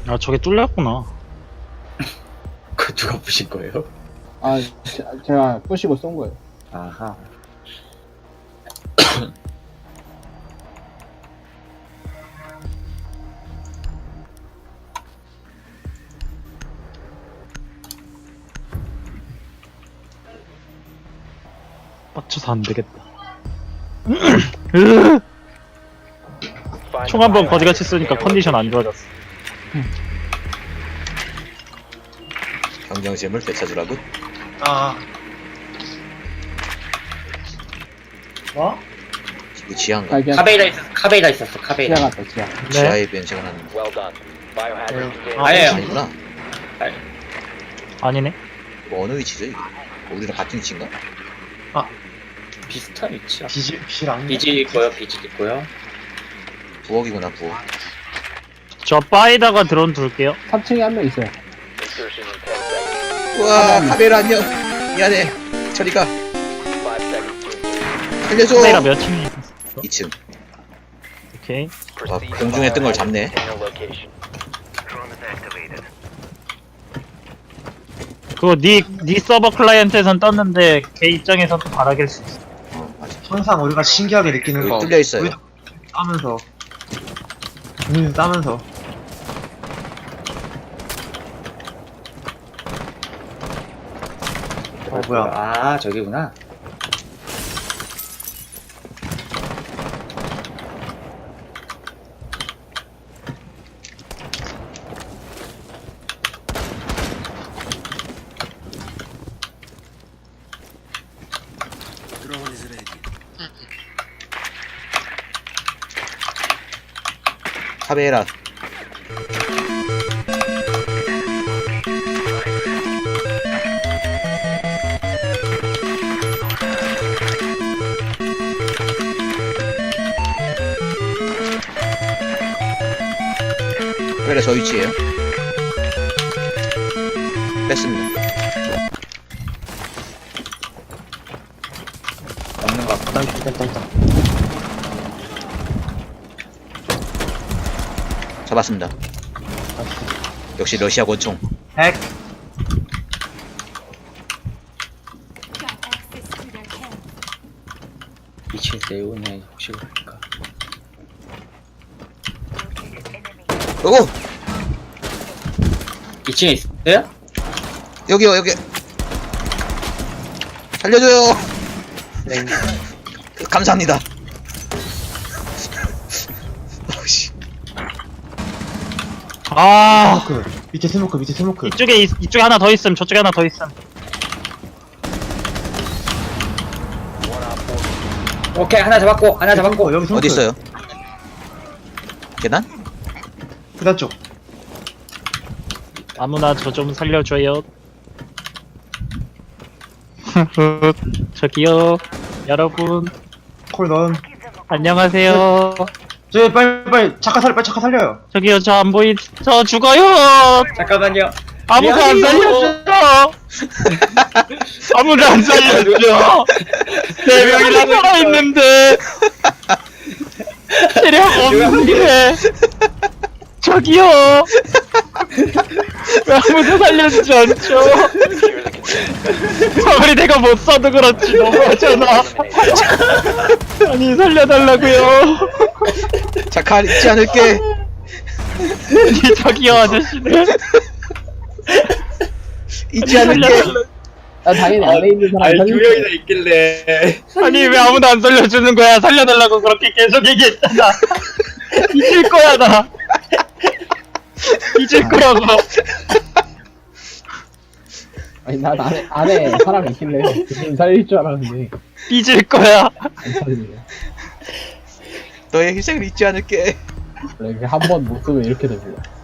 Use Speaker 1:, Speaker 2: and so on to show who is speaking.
Speaker 1: 아, 저게 뚫렸구나.
Speaker 2: 그 누가 부신 거예요?
Speaker 3: 아, 제가 부시고 쏜 거예요.
Speaker 2: 아하.
Speaker 1: 빡쳐서 안 되겠다. 총 한 번 거지같이 쏘니까 컨디션 안 좋아졌어.
Speaker 4: 경쟁심을 되찾으라고?
Speaker 5: 아. 뭐?
Speaker 4: 이거 지하인가?
Speaker 3: 발견.
Speaker 2: 카베이라 있었어, 카베이라.
Speaker 3: 지하 같다, 지하.
Speaker 1: 네.
Speaker 4: 지하에 변신을 하는
Speaker 2: 아니에요.
Speaker 4: 아니구나.
Speaker 1: 아니네.
Speaker 4: 뭐 어느 위치죠 이게? 우리랑 같은 위치인가?
Speaker 2: 비슷한 위치야.
Speaker 5: 비실
Speaker 2: 비지 있고요, 비지 있고요.
Speaker 4: 부엌이구나 부엌.
Speaker 1: 저 바에다가 드론 둘게요.
Speaker 3: 3층에 한 명 있어요.
Speaker 4: 우와 카메라 안녕. 미안해. 저리가. 살려줘.
Speaker 1: 카메라 몇 층에 있었어?
Speaker 4: 2층.
Speaker 1: 오케이.
Speaker 4: 와 공중에 뜬 걸 잡네.
Speaker 1: 그거 니 서버 클라이언트에선 떴는데 걔 입장에선 또 바라길 수 있어.
Speaker 4: 맞아.
Speaker 5: 항상 우리가 신기하게 느끼는
Speaker 4: 여기
Speaker 5: 거
Speaker 4: 뚫려 있어요.
Speaker 5: 우리도 따면서 따면서 뭐야.
Speaker 2: 아, 저기구나.
Speaker 4: 카메라. 카메라 저 위치에요. 뺐습니다.
Speaker 2: 없는 것 같다.
Speaker 4: 잡았습니다. 역시 러시아 권총.
Speaker 5: 핵
Speaker 2: 2층 내오네, 혹시 모르니까.
Speaker 4: 오고
Speaker 2: 2층에 있어요?
Speaker 4: 여기요 여기. 살려줘요.
Speaker 2: 네.
Speaker 4: 감사합니다. 어우씨.
Speaker 1: 아,
Speaker 5: 스모크 밑에 스모크
Speaker 1: 이쪽에 하나 더 있음. 저쪽에 하나 더 있음.
Speaker 2: 오케이, 하나 잡았고, 하나 잡았고.
Speaker 5: 여기 스모크
Speaker 4: 어디 있어요? 계단?
Speaker 5: 계단 쪽
Speaker 1: 아무나 저 좀 살려줘요. 저기요, 여러분
Speaker 5: 콜 넣은
Speaker 1: 안녕하세요.
Speaker 5: 저기 빨리 착하 살려요.
Speaker 1: 저기요, 저 안 보이, 저 죽어요.
Speaker 2: 잠깐만요.
Speaker 1: 아무도 안 살려줘. 아무도 안 살려줘. 네 명이나 살아 있는데 체력 없는데. 저기요. 왜 아무도 살려주지 않죠? 아무리 내가 못 써도 그렇지 너무하잖아. 아니 살려달라고요.
Speaker 4: 자칼 잊지 않을게.
Speaker 1: 아니 저기요 아저씨는
Speaker 4: 잊지 않을게.
Speaker 3: 아, 당연히 안에 있는 사람
Speaker 2: 아니, 두
Speaker 3: 살릴
Speaker 2: 명이나 있길래.
Speaker 1: 아니 왜 아무도 안 살려주는 거야. 살려달라고 그렇게 계속 얘기했잖아. 잊을 거야 나. 잊을 거라고.
Speaker 3: 아니, 난 안에 사람이 있길래 지금 살릴 줄 알았는데
Speaker 1: 잊을 거야.
Speaker 3: 안 살리네.
Speaker 4: 너의 희생을 잊지 않을게.
Speaker 3: 원래 한 번 못 쓰면 이렇게 됩니다.